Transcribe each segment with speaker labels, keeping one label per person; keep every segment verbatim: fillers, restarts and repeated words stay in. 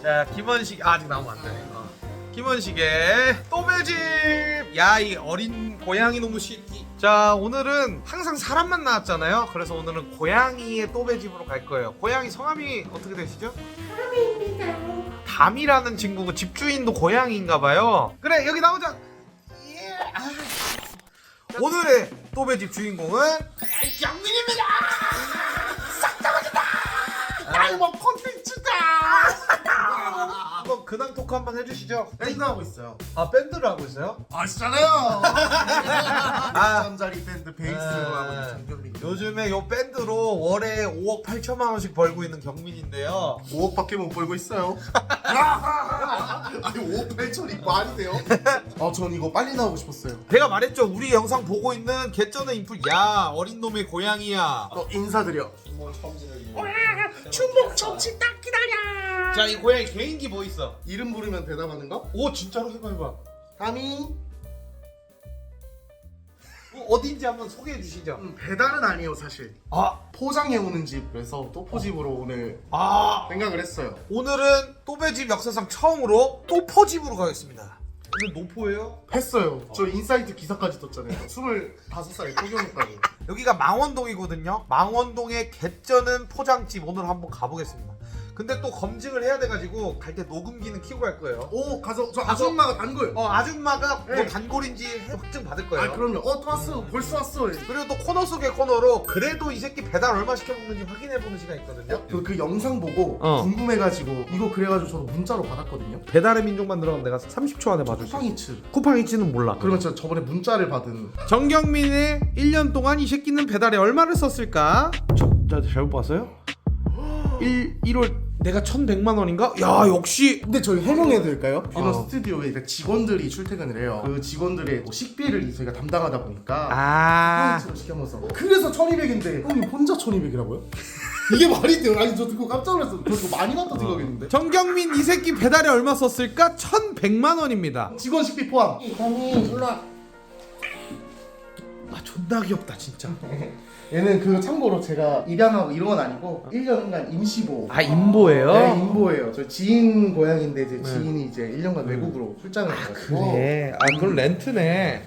Speaker 1: 자, 김원식 아, 아직 나오면 안 돼. 어. 김원식의 또배집. 야, 이 어린 고양이 놈의 새끼. 자, 오늘은 항상 사람만 나왔잖아요. 그래서 오늘은 고양이의 또배집으로 갈 거예요. 고양이 성함이 어떻게 되시죠?
Speaker 2: 담입니다.
Speaker 1: 담이라는 친구고 집주인도 고양이인가 봐요. 그래, 여기 나오자. 예. 아. 오늘의 또배집 주인공은 경민입니다. 싹다 맞았다.
Speaker 2: 아이고 콘텐츠다.
Speaker 1: 한번 근황 토크 한번 해주시죠.
Speaker 2: 밴드 하고 있어요.
Speaker 1: 아, 밴드를 하고 있어요?
Speaker 2: 아시잖아요.
Speaker 1: 아.
Speaker 2: 잠자리 밴드 베이스로 하고 있는 정경민.
Speaker 1: 요즘에 요 밴드로 월에 오억 팔천만 원씩 벌고 있는 경민인데요.
Speaker 2: 오억밖에 못 벌고 있어요. 아니 오억 팔천이 말이 돼요? 아, 전 이거 빨리 나오고 싶었어요.
Speaker 1: 제가 말했죠. 우리 영상 보고 있는 개쩌는 인플. 야, 어린 놈의 고양이야.
Speaker 2: 어, 인사드려.
Speaker 3: 주목 정치 딱 기다려.
Speaker 1: 자, 이 고양이 개인기 뭐 있어?
Speaker 2: 이름 부르면 대답하는 거?
Speaker 1: 오, 진짜로 해봐 해봐.
Speaker 2: 담이.
Speaker 1: 어, 어딘지 한번 소개해 주시죠.
Speaker 2: 음, 배달은 아니에요 사실.
Speaker 1: 아,
Speaker 2: 포장해 오는 집. 그래서 또포집으로 오늘
Speaker 1: 아,
Speaker 2: 생각을 했어요.
Speaker 1: 오늘은 또배집 역사상 처음으로 또포집으로 가겠습니다. 오늘 노포예요?
Speaker 2: 했어요. 저 인사이트 기사까지 떴잖아요. 스물다섯 살에 포경했다고.
Speaker 1: 여기가 망원동이거든요. 망원동의 개쩌는 포장집 오늘 한번 가보겠습니다. 근데 또 검증을 해야 돼가지고 갈 때 녹음기는 켜고 갈 거예요.
Speaker 2: 오, 가서 저
Speaker 1: 가서-
Speaker 2: 아줌마가 단골.
Speaker 1: 어, 아줌마가 뭐
Speaker 2: 네.
Speaker 1: 단골인지 확증 받을 거예요.
Speaker 2: 아, 그럼요. 어, 또 왔어. 벌써 왔어.
Speaker 1: 그리고 또 코너 속의 코너로 그래도 이 새끼 배달 얼마 시켜 먹는지 확인해보는 시간 있거든요.
Speaker 2: 그, 그 영상 보고
Speaker 1: 어.
Speaker 2: 궁금해가지고 이거 그래가지고 저도 문자로 받았거든요.
Speaker 1: 배달의 민족만 들어가면 내가 삼십 초 안에 봐줄 수 있어.
Speaker 2: 쿠팡이츠.
Speaker 1: 쿠팡이츠는 몰라.
Speaker 2: 그러면 제가 저번에 문자를 받은.
Speaker 1: 정경민의 일 년 동안 이 새끼는 배달에 얼마를 썼을까? 저, 나 잘못 봤어요? 일, 일월 내가 천백만 원인가? 야, 역시.
Speaker 2: 근데 저희 해명해드릴까요? 이런
Speaker 1: 어.
Speaker 2: 스튜디오에 이제 직원들이 출퇴근을 해요. 그 직원들의 뭐 식비를 저희가 담당하다 보니까
Speaker 1: 아,
Speaker 2: 쿠팡이츠로 시켜먹어서 그래서 천이백인데 형님 혼자 천이백이라고요? 이게 말이 돼요? 아니 저 듣고 깜짝 놀랐어. 저 이거 많이 났다 생각했는데.
Speaker 1: 정경민 이 새끼 배달에 얼마 썼을까? 천백만 원입니다.
Speaker 2: 직원 식비 포함.
Speaker 3: 형님 놀라.
Speaker 1: 아, 존나 귀엽다 진짜.
Speaker 2: 얘는 그 참고로 제가 입양하고 이런 건 아니고 일 년간 임시보.
Speaker 1: 아, 인보예요?
Speaker 2: 네, 인보예요. 저 지인 고향인데 이제
Speaker 1: 네.
Speaker 2: 지인이 이제 일 년간 외국으로 출장을 가가지고.
Speaker 1: 그래. 아, 그럼 렌트네.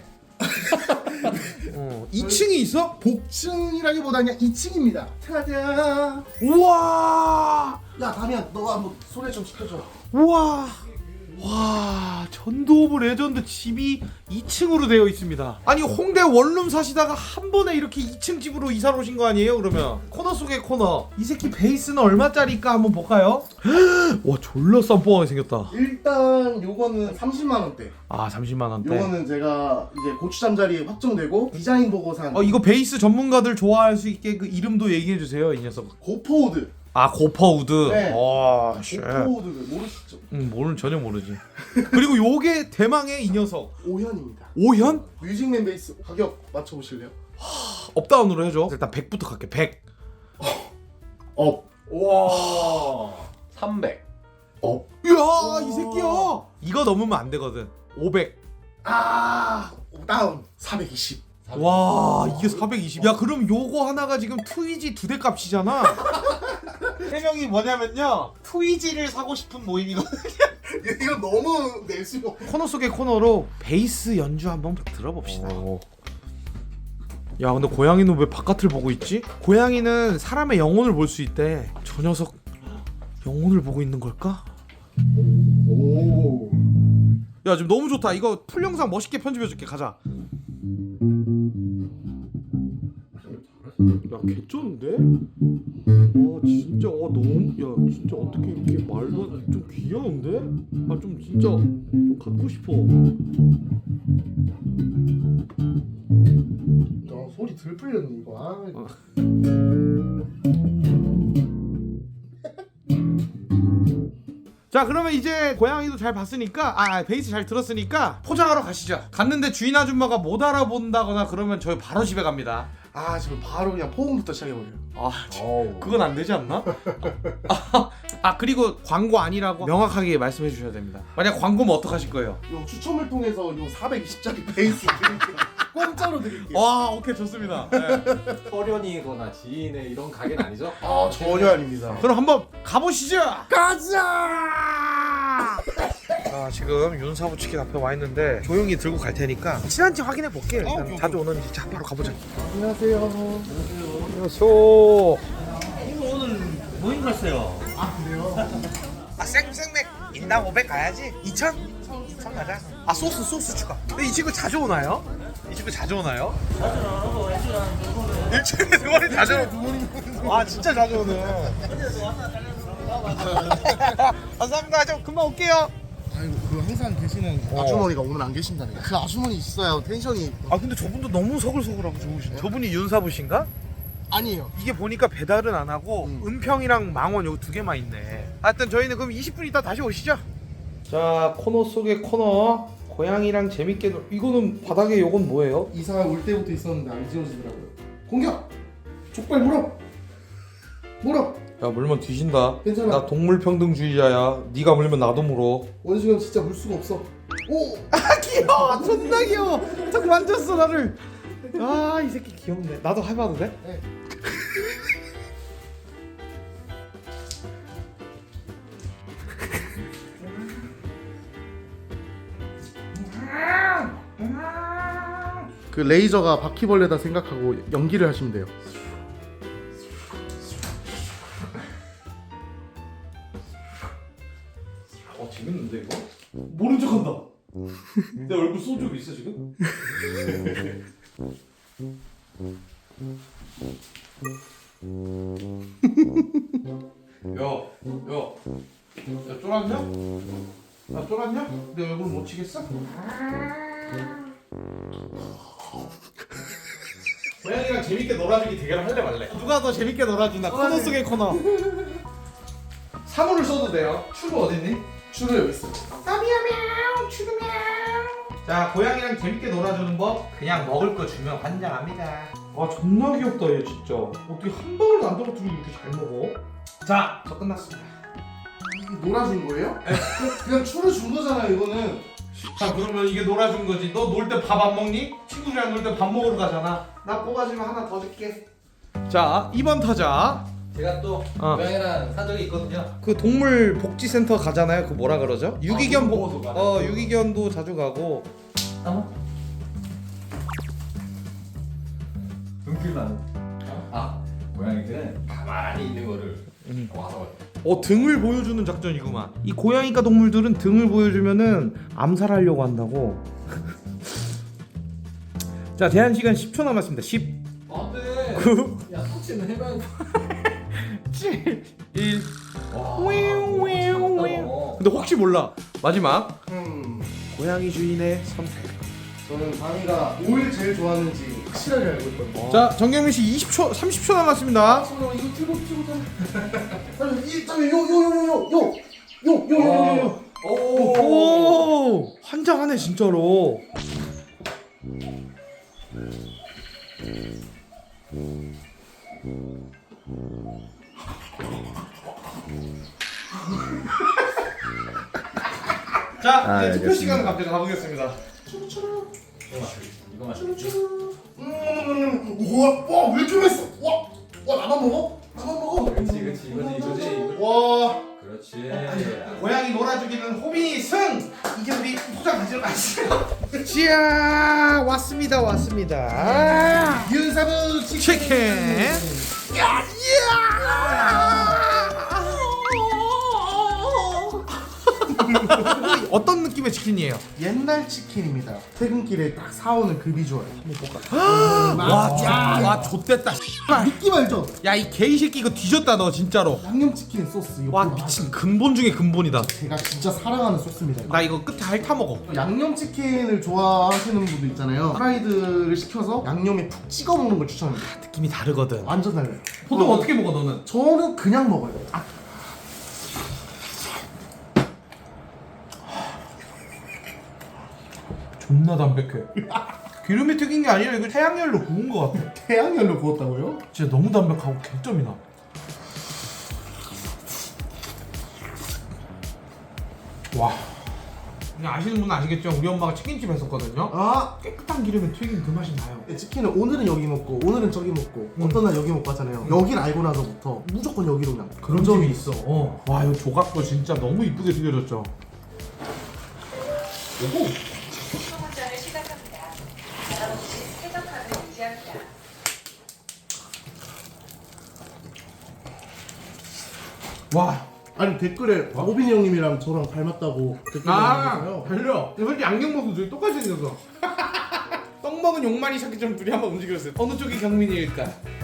Speaker 1: 어, 이 층이 있어?
Speaker 2: 복층이라기보다 그냥 이 층입니다. 타자.
Speaker 1: 우와.
Speaker 2: 야, 다미야, 너가 한번 소개 좀 시켜줘.
Speaker 1: 우와. 와, 전도 오브 레전드 집이 이 층으로 되어 있습니다. 아니, 홍대 원룸 사시다가 한 번에 이렇게 이 층 집으로 이사를 오신 거 아니에요? 그러면 코너 속의 코너. 이 새끼 베이스는 얼마짜리일까 한번 볼까요? 와, 졸라 쌈뽕하게 생겼다.
Speaker 2: 일단 요거는 삼십만 원대.
Speaker 1: 아, 삼십만 원대.
Speaker 2: 요거는 제가 이제 고추잠 자리 확정되고 디자인 보고 산
Speaker 1: 어, 이거 베이스 전문가들 좋아할 수 있게 그 이름도 얘기해 주세요, 이 녀석.
Speaker 2: 고포우드.
Speaker 1: 아, 고퍼우드.
Speaker 2: 네.
Speaker 1: 와, 씨.
Speaker 2: 고포우드 모르시죠?
Speaker 1: 응, 모르는 전혀 모르지. 그리고 요게 대망의 이 녀석.
Speaker 2: 오현입니다.
Speaker 1: 오현?
Speaker 2: 뮤직맨 베이스 가격 맞춰보실래요?
Speaker 1: 업다운으로 해줘. 일단 백부터 갈게. 백.
Speaker 2: 업.
Speaker 4: 와 삼백.
Speaker 2: 업.
Speaker 1: 이야, 이 새끼야. 이거 넘으면 안 되거든. 오백.
Speaker 2: 아, 다운. 사백이십.
Speaker 1: 와, 이게 사백이십. 야, 그럼 요거 하나가 지금 트위지 두 대 값이잖아. 해명이 뭐냐면요, 트위지를 사고 싶은 모임이거든.
Speaker 2: 이거 너무 낼 수가 없.
Speaker 1: 코너 속의 코너로 베이스 연주 한번 들어봅시다. 야, 근데 고양이는 왜 바깥을 보고 있지? 고양이는 사람의 영혼을 볼 수 있대. 저 녀석 영혼을 보고 있는 걸까?
Speaker 2: 오.
Speaker 1: 야, 지금 너무 좋다. 이거 풀 영상 멋있게 편집해줄게. 가자. 야, 개쩌는데? 와, 진짜, 와, 너무, 야, 진짜 어떻게 이렇게 말도 안- 좀 귀여운데? 아, 좀 진짜 좀 갖고 싶어.
Speaker 2: 야, 소리 들 풀렸네 이거. 아.
Speaker 1: 어. 자, 그러면 이제 고양이도 잘 봤으니까, 아, 베이스 잘 들었으니까 포장하러 가시죠. 갔는데 주인 아줌마가 못 알아본다거나 그러면 저희 바로 집에 갑니다.
Speaker 2: 아, 지금 바로 그냥 포옹부터 시작해버려요.
Speaker 1: 아,
Speaker 4: 어우.
Speaker 1: 그건 안 되지 않나? 아, 아, 그리고 광고 아니라고 명확하게 말씀해 주셔야 됩니다. 만약 광고면 어떡하실 거예요?
Speaker 2: 요 추첨을 통해서 요 사백이십짜리 베이스 드릴게요. 공짜로 드릴게요.
Speaker 1: 와, 오케이, 좋습니다. 네.
Speaker 4: 서련이거나 지인의 이런 가게는 아니죠?
Speaker 2: 아, 전혀 아닙니다.
Speaker 1: 그럼 한번 가보시죠.
Speaker 2: 가자!
Speaker 1: 자 지금 윤사부 치킨 앞에 와 있는데 조용히 들고 갈 테니까 친한지 확인해 볼게. 일단
Speaker 2: 오케이,
Speaker 1: 자주 오는지. 자 바로 가보자.
Speaker 2: 안녕하세요.
Speaker 1: 안녕하세요.
Speaker 3: 오늘 모임 갔어요.
Speaker 2: 아 그래요?
Speaker 1: 아 생생맥 인당 오백 가야지. 이천? 이천 가자. 아 소스 소스 추가. 근데 이 친구 자주 오나요? 이 친구 자주 오나요?
Speaker 3: 자주 나가고 애들이랑 놀고는
Speaker 1: 일주일에 두 번이 자주 오. 아 진짜 자주 오네. 감사합니다. 좀 금방 올게요.
Speaker 2: 아이고 그 항상 계시는
Speaker 1: 어.
Speaker 2: 아주머니가 오늘 안 계신다네요. 그 아주머니 있어야 텐션이
Speaker 1: 아 근데 저분도 너무 서글서글하고 좋으시네. 저분이 윤사부신가?
Speaker 2: 아니에요.
Speaker 1: 이게 보니까 배달은 안 하고
Speaker 2: 음.
Speaker 1: 은평이랑 망원 여기 두 개만 있네. 하여튼 저희는 그럼 이십 분 있다 다시 오시죠. 자 코너 속의 코너 고양이랑 재밌게 놀... 이거는 바닥에 요건 뭐예요?
Speaker 2: 이사 올 때부터 있었는데 안 지워지더라고요. 공격! 족발 물어! 물어!
Speaker 1: 야 물면 뒤진다.
Speaker 2: 괜찮아.
Speaker 1: 나 동물평등주의자야. 네가 물면 나도 물어.
Speaker 2: 원숭이는 진짜 물 수가 없어. 오!
Speaker 1: 아 귀여워. 존나 귀여워. 턱 만졌어 나를. 아 이 새끼 귀엽네. 나도 해봐도 돼?
Speaker 2: 네. 그 레이저가 바퀴벌레다 생각하고 연기를 하시면 돼요.
Speaker 1: 어 재밌는데 이거? 모른 척한다. 내 얼굴 소주 있어 지금? 야, 야, 야 쫄았냐? 야 쫄았냐? 내 얼굴 못 치겠어? 고양이랑 재밌게 놀아주기 대결 할래 말래? 누가 더 재밌게 놀아주나? 코너 속의 코너. 사물을 써도 돼요. 추루 어딨니?
Speaker 2: 추루 여기 있어.
Speaker 1: 따미야мя우 추루мя우. 자 고양이랑 재밌게 놀아주는 법 그냥 먹을 거 주면 환장합니다. 아 존나 귀엽다 얘 진짜. 어떻게 한 방울도 안 떨어뜨리고 이렇게 잘 먹어? 자 저 끝났습니다.
Speaker 2: 이게 놀아준 거예요? 그냥, 그냥 추루 준 거잖아요 이거는.
Speaker 1: 자 그러면 이게 놀아준 거지. 너 놀 때 밥 안 먹니? 친구들이랑 놀 때 밥 먹으러 가잖아. 나 뽑아주면 하나 더 줄게. 자 이 번 타자.
Speaker 4: 제가 또
Speaker 1: 어.
Speaker 4: 고양이랑 산 적이 있거든요.
Speaker 1: 그 동물 복지센터 가잖아요. 그 뭐라 그러죠? 유기견 보,
Speaker 4: 유기견도 가네.
Speaker 1: 어 유기견도 자주 가고.
Speaker 4: 어? 등길 나는. 아 고양이들은 가만히 있는 거를
Speaker 1: 음.
Speaker 4: 와서
Speaker 1: 어 등을 보여주는 작전이구만. 이 고양이과 동물들은 등을 보여주면은 암살하려고 한다고. 자 제한 시간 십 초 남았습니다. 십,
Speaker 4: 안돼.
Speaker 1: 구,
Speaker 4: 야 터치는 해봐야
Speaker 1: 칠, 일.
Speaker 4: 와.
Speaker 1: 윙윙윙. 근데 혹시 몰라. 마지막
Speaker 2: 음.
Speaker 1: 고양이 주인의 선택.
Speaker 2: 저는 강이가 뭘 제일 좋아하는지 확실하게 알고 있거든요.
Speaker 1: 자 정경민 씨 이십 초, 삼십 초 남았습니다.
Speaker 2: 손으로 이거 틀고 틀고 좀. 이 점에 요요요요요요요요요요.
Speaker 4: 오.
Speaker 1: 오 환장하네 진짜로. 자 이제 투표 시간을 갑자기 가보겠습니다.
Speaker 4: 이거 마셔.
Speaker 2: 음. 우와, 와, 왜 이렇게 맛있어? 와, 와 나만 먹어? 나만 먹어?
Speaker 4: 그렇지 그렇지 이거지 이거지 이거지.
Speaker 2: 와.
Speaker 4: 그렇지.
Speaker 1: 고양이 놀아주기는 호빈이 승! 이제 우리 포장 가지러 가시죠. 지야 왔습니다 왔습니다.
Speaker 2: 윤사부 치킨.
Speaker 1: 치킨. 야, 어떤 느낌의 치킨이에요?
Speaker 2: 옛날 치킨입니다. 퇴근길에 딱 사오는 그 비주얼. 한번 볼까?
Speaker 1: 와, 야, 와, 좆됐다.
Speaker 2: 느낌 알죠?
Speaker 1: 야, 이 개이새끼 이거 뒤졌다 너 진짜로.
Speaker 2: 양념 치킨 소스. 이거
Speaker 1: 와,
Speaker 2: 보면
Speaker 1: 미친 근본 중에 근본이다.
Speaker 2: 제가 진짜 사랑하는 소스입니다.
Speaker 1: 나 이거 끝에 핥아 먹어.
Speaker 2: 양념 치킨을 좋아하시는 분도 있잖아요. 프라이드를 시켜서 양념에 푹 찍어 먹는 걸 추천합니다.
Speaker 1: 느낌이 다르거든.
Speaker 2: 완전 달라요.
Speaker 1: 보통
Speaker 2: 어,
Speaker 1: 어떻게 먹어 너는?
Speaker 2: 저는 그냥 먹어요. 아,
Speaker 1: 존나 담백해. 기름이 튀긴 게 아니라 이거 태양열로 구운 거 같아.
Speaker 2: 태양열로 구웠다고요?
Speaker 1: 진짜 너무 담백하고 개점이다. 와. 그냥 아시는 분은 아시겠죠? 우리 엄마가 치킨집 했었거든요.
Speaker 2: 아,
Speaker 1: 깨끗한 기름에 튀긴 그 맛이 나요.
Speaker 2: 치킨은 오늘은 여기 먹고 오늘은 저기 먹고 어떤 날 여기 먹고 하잖아요. 여길 알고 나서부터 무조건 여기로 그냥
Speaker 1: 그런 점이 있어. 어. 와, 이 조각도 진짜 너무 이쁘게 튀겨졌죠.
Speaker 5: 소문전을 시작합니다. 바람없이 쾌적함을 유지합니다.
Speaker 1: 와.
Speaker 2: 아니 댓글에 오빈이 형님이랑 저랑 닮았다고 댓글
Speaker 1: 아
Speaker 2: 남겨주세요.
Speaker 1: 달려. 솔직히 안경 벗은 둘이 똑같이 생겼어. 떡 먹은 용만이 찾기처럼 둘이 한번 움직였어요. 어느 쪽이 경민이일까?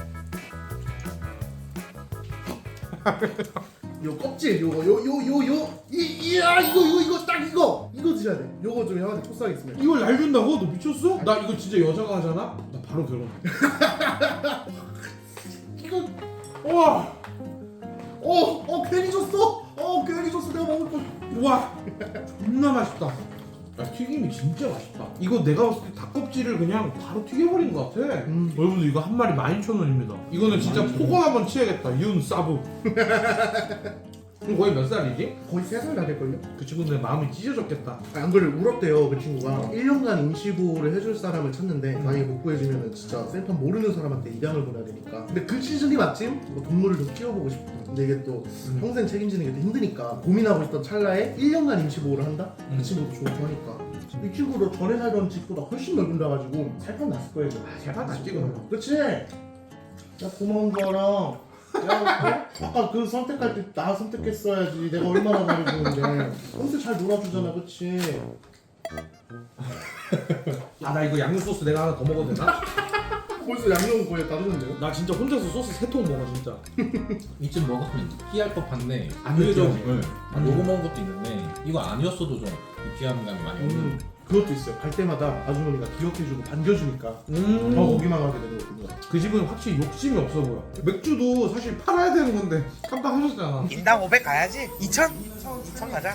Speaker 2: 요 껍질 요거 요 요 요요 이야 이거 이거 이거 딱 이거 이거 드셔야 돼. 요거 좀 형한테 코스하겠습니다.
Speaker 1: 이걸 날 준다고? 너 미쳤어? 나 이거 진짜 여자가 하잖아? 나 바로 결혼.
Speaker 2: 이거
Speaker 1: 와.
Speaker 2: 어어 괜히 줬어. 어 괜히 줬어. 내가 먹을 거.
Speaker 1: 와. 존나 맛있다. 야, 튀김이 진짜 맛있다. 이거 내가 봤을 때 닭껍질을 그냥 바로 튀겨버린 것 같아.
Speaker 2: 음.
Speaker 1: 여러분들 이거 한 마리 만 이천 원입니다. 이거는 진짜 폭언 한번 치야겠다. 윤 사부. 그럼 거의 몇 살이지?
Speaker 2: 거의 세 살 다 될걸요?
Speaker 1: 그 친구들 마음이 찢어졌겠다.
Speaker 2: 안 그래 울었대요 그 친구가 일 년간 임시보호를 해줄 사람을 찾는데 만약에 못 구해주면 진짜 생판 모르는 사람한테 입양을 보내야 되니까 근데 그 시즌이 마침 뭐 동물을 좀 키워보고 싶고 근데 이게 또
Speaker 1: 음.
Speaker 2: 평생 책임지는 게 또 힘드니까 고민하고 있던 찰나에 일 년간 임시보호를 한다?
Speaker 1: 음.
Speaker 2: 그 친구도 좋고 하니까 이 친구도 전에 살던 집보다 훨씬 넓은데 가지고 살판 났을 거예요
Speaker 1: 아, 살판 났지, 그럼.
Speaker 2: 그치? 야 고마운 거랑 야, 어? 아까 그 선택할 때 나 선택했어야지. 내가 얼마나 잘해주는데. 평소 잘 놀아주잖아, 그치?
Speaker 1: 아, 나 이거 양념 소스 내가 하나 더 먹어도 되나?
Speaker 2: 벌써 양념 거의 다 됐는데요?
Speaker 1: 나 진짜 혼자서 소스 세 통 먹어 진짜.
Speaker 4: 이쯤 먹었으면 느끼할 법한데
Speaker 1: 안
Speaker 4: 의외로
Speaker 1: 느끼하지.
Speaker 4: 응.
Speaker 1: 안
Speaker 4: 요거 먹은 것도 있는데 이거 아니었어도 좀 느끼한 감이 많이 오는.
Speaker 2: 음, 그것도 있어요. 갈 때마다 아주머니가 기억해주고 반겨주니까
Speaker 1: 음.
Speaker 2: 더 오기만 하게 되거든요.
Speaker 1: 그 집은 확실히 욕심이 없어 보여. 맥주도 사실 팔아야 되는 건데 깜빡하셨잖아.
Speaker 6: 인당 오백 가야지. 이천? 이천 가자.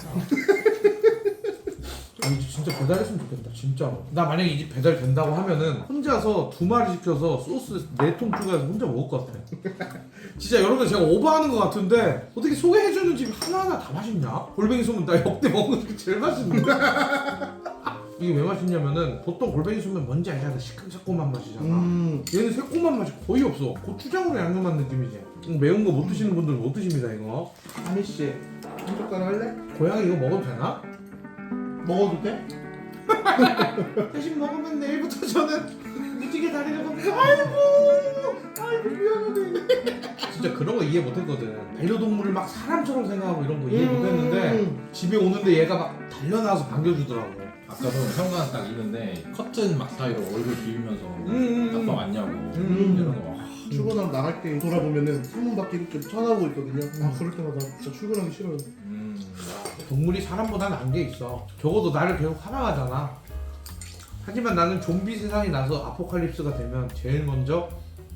Speaker 1: 아니 진짜 배달했으면 좋겠다 진짜로. 나 만약에 이 집 배달 된다고 하면은 혼자서 두 마리 시켜서 소스 네 통 추가해서 혼자 먹을 것 같아. 진짜 여러분 제가 오버하는 것 같은데 어떻게 소개해주는 집 하나하나 다 맛있냐? 골뱅이 소면 나 역대 먹은 게 제일 맛있는데. 이게 왜 맛있냐면은 보통 골뱅이 소면 뭔지 알잖아. 시큼새콤한 맛이잖아.
Speaker 2: 음,
Speaker 1: 얘는 새콤한 맛이 거의 없어. 고추장으로 양념한 느낌이지. 음, 매운 거 못 드시는 분들 못 드십니다 이거.
Speaker 2: 하미씨, 한 젓가락 할래?
Speaker 1: 고양이 이거 먹어도 되나?
Speaker 2: 먹어도 돼?
Speaker 1: 대신 먹으면 내일부터 저는 무지개 다리를 겁니다.
Speaker 2: 아이고, 아이고, 미안하네.
Speaker 1: 진짜 그런 거 이해 못했거든. 반려동물을 막 사람처럼 생각하고 이런 거 이해
Speaker 2: 음.
Speaker 1: 못했는데 집에 오는데 얘가 막 달려나와서 반겨주더라고.
Speaker 4: 아까도 현관 딱 있는데 커튼 막 사이로 얼굴 비비면서
Speaker 1: 음, 음,
Speaker 4: 아빠 왔냐고
Speaker 1: 음.
Speaker 4: 이런 거. 와.
Speaker 2: 출근하고 나갈 때 돌아보면은 창문 밖에 이렇게 쳐다보고 있거든요. 아, 그럴 때마다 진짜 출근하기 싫어요.
Speaker 4: 음.
Speaker 1: 동물이 사람보다 나은 게 있어. 적어도 나를 계속 사랑하잖아. 하지만 나는 좀비 세상이 나서 아포칼립스가 되면 제일 먼저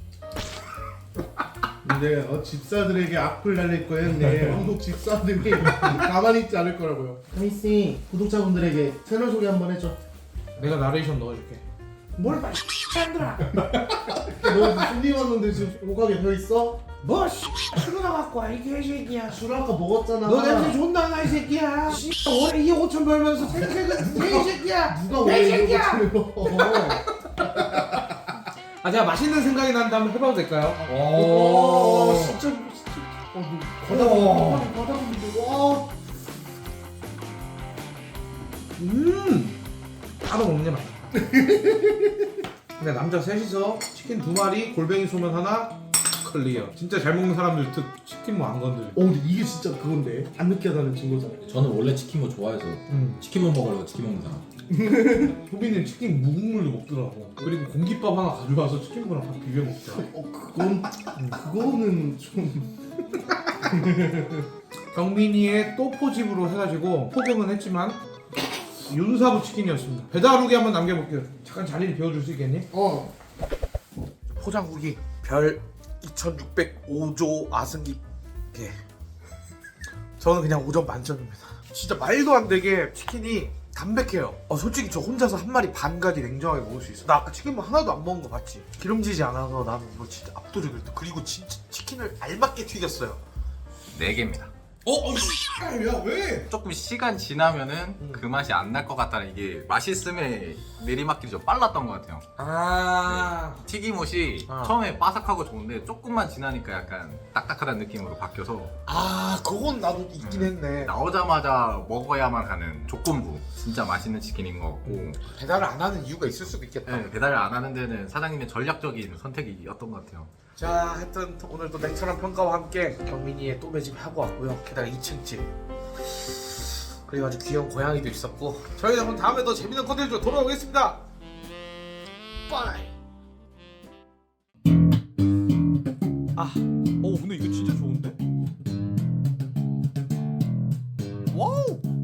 Speaker 2: 근데 어, 집사들에게 악플 날릴 거였네. 한국 집사들이 가만히 있지 않을 거라고요. 하미씨, 구독자분들에게 채널 소개 한번 해줘.
Speaker 1: 내가 나레이션 넣어줄게. 뭘 봐, 놈들아.
Speaker 2: 너 무슨 일 왔는데 지금 오가게 더 있어?
Speaker 1: 뭐 씨, 술이나 갖고 와 이 개새끼야.
Speaker 2: 술 아까 먹었잖아.
Speaker 1: 너 냄새 존나 나 이 새끼야. 씨, 올해 이 오천 벌면서 생색은 개새끼야.
Speaker 2: 누가 왜 이러고
Speaker 1: 개새끼야.
Speaker 2: 지금?
Speaker 1: 아 제가 맛있는 생각이 난다 한번 해봐도 될까요?
Speaker 2: 오, 진짜 진짜. 어, 너
Speaker 1: 오.
Speaker 2: 과다 과다 분들 와.
Speaker 1: 음 따로 먹는 게 맛있다. 근데 남자 셋이서 치킨 두 마리, 골뱅이 소면 하나, 클리어. 진짜 잘 먹는 사람들 특 치킨 뭐 안 건드려.
Speaker 2: 어, 근데 이게 진짜 그건데 안 느끼하다는 증거잖아.
Speaker 4: 저는 원래 치킨 거 좋아해서
Speaker 1: 음.
Speaker 4: 치킨만 먹으려고 치킨 먹는 사람.
Speaker 1: 소빈이는 치킨 묵국물도 먹더라고. 그리고 공깃밥 하나 가져와서 치킨이랑 밥 비벼 먹더라.
Speaker 2: 어, 그건 그거는 좀.
Speaker 1: 경민이의 또포집으로 해가지고 포경은 했지만 윤사부 치킨이었습니다. 배달 후기 한번 남겨볼게요. 잠깐 자리를 비워줄 수 있겠니?
Speaker 2: 어.
Speaker 6: 포장 후기 별 이천육백오 조 아승기. 예. 저는 그냥 오 점 만점입니다. 진짜 말도 안 되게 치킨이 담백해요. 어, 솔직히 저 혼자서 한 마리 반까지 냉정하게 먹을 수 있어. 나 아까 치킨 뭐 하나도 안 먹은 거 봤지? 기름지지 않아서 나는 이거 진짜 압도적이었다. 그리고 진짜 치킨을 알맞게 튀겼어요. 네 개입니다.
Speaker 4: 어?
Speaker 1: 야 왜?
Speaker 4: 조금 시간 지나면은 그 맛이 안 날 것 같다는 이게 맛있음의 내리막길이 좀 빨랐던 것 같아요.
Speaker 6: 아
Speaker 4: 튀김옷이
Speaker 6: 아.
Speaker 4: 처음에 바삭하고 좋은데 조금만 지나니까 약간 딱딱하다는 느낌으로 바뀌어서
Speaker 6: 아 그건 나도 있긴 했네.
Speaker 4: 나오자마자 먹어야만 하는 조건부 진짜 맛있는 치킨인 것 같고
Speaker 6: 배달을 안 하는 이유가 있을 수도 있겠다.
Speaker 4: 네, 배달을 안 하는 데는 사장님의 전략적인 선택이었던 것 같아요.
Speaker 6: 자, 하여튼 오늘도 냉철한 평가와 함께 경민이의 또 매집 하고 왔고요. 게다가 이 층 집. 그리고 아주 귀여운 고양이도 있었고. 저희는 그럼 다음에 더 재밌는 컨텐츠로 돌아오겠습니다. 빠이.
Speaker 1: 아, 오 근데 이거 진짜 좋은데? 와우!